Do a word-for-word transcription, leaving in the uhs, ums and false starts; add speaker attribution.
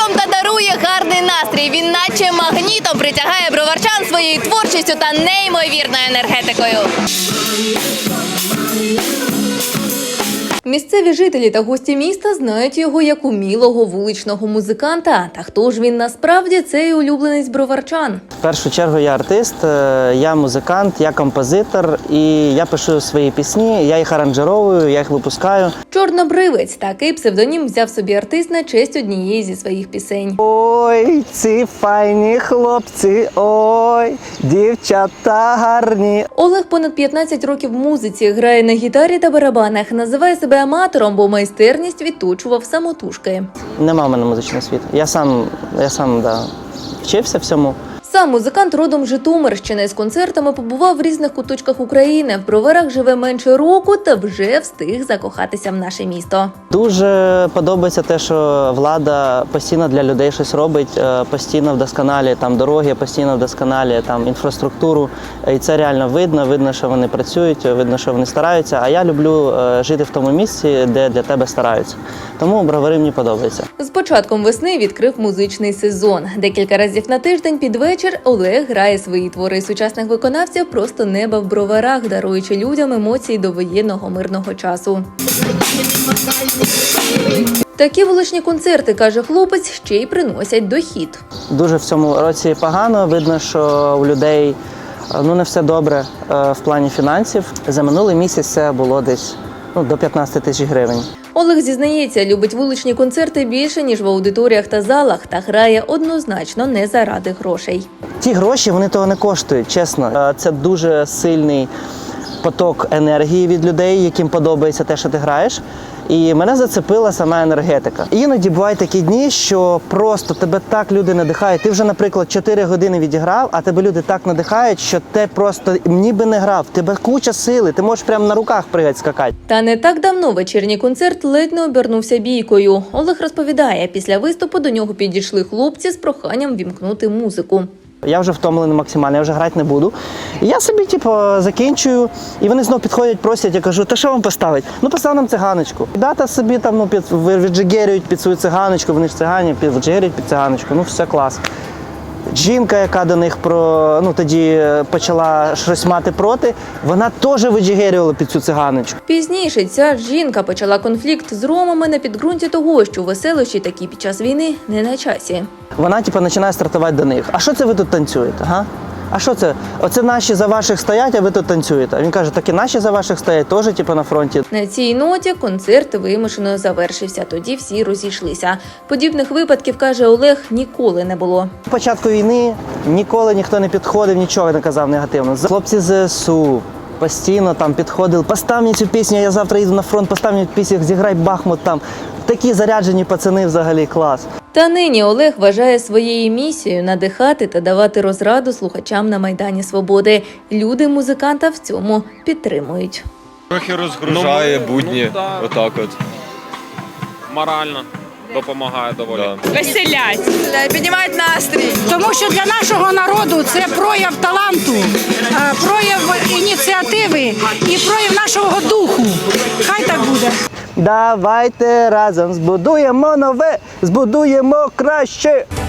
Speaker 1: прийом та дарує гарний настрій. Він наче магнітом притягає броварчан своєю творчістю та неймовірною енергетикою. Місцеві жителі та гості міста знають його як умілого вуличного музиканта. Та хто ж він насправді, цей улюбленець броварчан?
Speaker 2: В першу чергу я артист, я музикант, я композитор і я пишу свої пісні, я їх аранжировую, я їх випускаю.
Speaker 1: Чорнобривець – такий псевдонім взяв собі артист на честь однієї зі своїх пісень.
Speaker 2: Ой, ці файні хлопці, ой, дівчата гарні.
Speaker 1: Олег понад п'ятнадцять років в музиці, грає на гітарі та барабанах, називає себе аматором, бо майстерність відточував самотужки.
Speaker 2: Нема в мене музичного світу. Я сам, я сам да, вчився всьому.
Speaker 1: Сам музикант родом з Житомирщини. З концертами побував в різних куточках України. В Броварах живе менше року та вже встиг закохатися в наше місто.
Speaker 2: Дуже подобається те, що влада постійно для людей щось робить, постійно вдосконалює там дороги, постійно вдосконалює там інфраструктуру. І це реально видно, видно, що вони працюють, видно, що вони стараються. А я люблю жити в тому місці, де для тебе стараються. Тому Бровари мені подобається.
Speaker 1: З початком весни відкрив музичний сезон. Декілька разів на тиждень під вечір Олег грає свої твори сучасних виконавців просто неба в Броварах, даруючи людям емоції до воєнного мирного часу. Такі вуличні концерти, каже хлопець, ще й приносять дохід.
Speaker 2: Дуже в цьому році погано. Видно, що у людей ну, не все добре в плані фінансів. За минулий місяць це було десь ну, до п'ятнадцяти тисяч гривень.
Speaker 1: Олег зізнається, любить вуличні концерти більше, ніж в аудиторіях та залах, та грає однозначно не заради грошей.
Speaker 2: Ті гроші, вони того не коштують, чесно. Це дуже сильний поток енергії від людей, яким подобається те, що ти граєш. І мене зацепила сама енергетика. Іноді бувають такі дні, що просто тебе так люди надихають. Ти вже, наприклад, чотири години відіграв, а тебе люди так надихають, що ти просто ніби не грав. Тебе куча сили, ти можеш прямо на руках пригати, скакати.
Speaker 1: Та не так давно вечірній концерт ледь не обернувся бійкою. Олег розповідає, після виступу до нього підійшли хлопці з проханням вімкнути музику.
Speaker 2: Я вже втомлений максимально, я вже грати не буду. І я собі, типу, закінчую, і вони знову підходять, просять, я кажу, та що вам поставити? Ну, постав нам циганочку. Дата собі там, ну, під, віджигерюють під свою циганочку, вони ж цигані, віджигерюють під циганочку, ну, все клас. Жінка, яка до них про, ну, тоді почала щось мати проти, вона теж виджигерювала під цю циганочку.
Speaker 1: Пізніше ця жінка почала конфлікт з ромами на підґрунті того, що веселощі такі під час війни не на часі.
Speaker 2: Вона, типу, починає стартувати до них. А що це ви тут танцюєте, га? А що це? Оце наші за ваших стоять, а ви тут танцюєте. А він каже, так і наші за ваших стоять, теж типу, на фронті.
Speaker 1: На цій ноті концерт вимушено завершився. Тоді всі розійшлися. Подібних випадків, каже Олег, ніколи не було.
Speaker 2: На початку війни ніколи ніхто не підходив, нічого не казав негативно. Хлопці з ЗСУ постійно там підходили. Постав мені цю пісню, я завтра їду на фронт, постав мені пісню, зіграй Бахмут там. Такі заряджені пацани взагалі, клас.
Speaker 1: Та нині Олег вважає своєю місією надихати та давати розраду слухачам на Майдані Свободи. Люди музиканта в цьому підтримують.
Speaker 3: Трохи розгружає
Speaker 4: ну,
Speaker 3: будні,
Speaker 4: ну, да.
Speaker 3: отак от.
Speaker 4: Морально допомагає доволі.
Speaker 3: Да.
Speaker 5: Веселять, піднімають настрій.
Speaker 6: Тому що для нашого народу це прояв таланту, прояв ініціативи і прояв нашого духу. Хай так буде.
Speaker 2: Давайте разом збудуємо нове, збудуємо краще.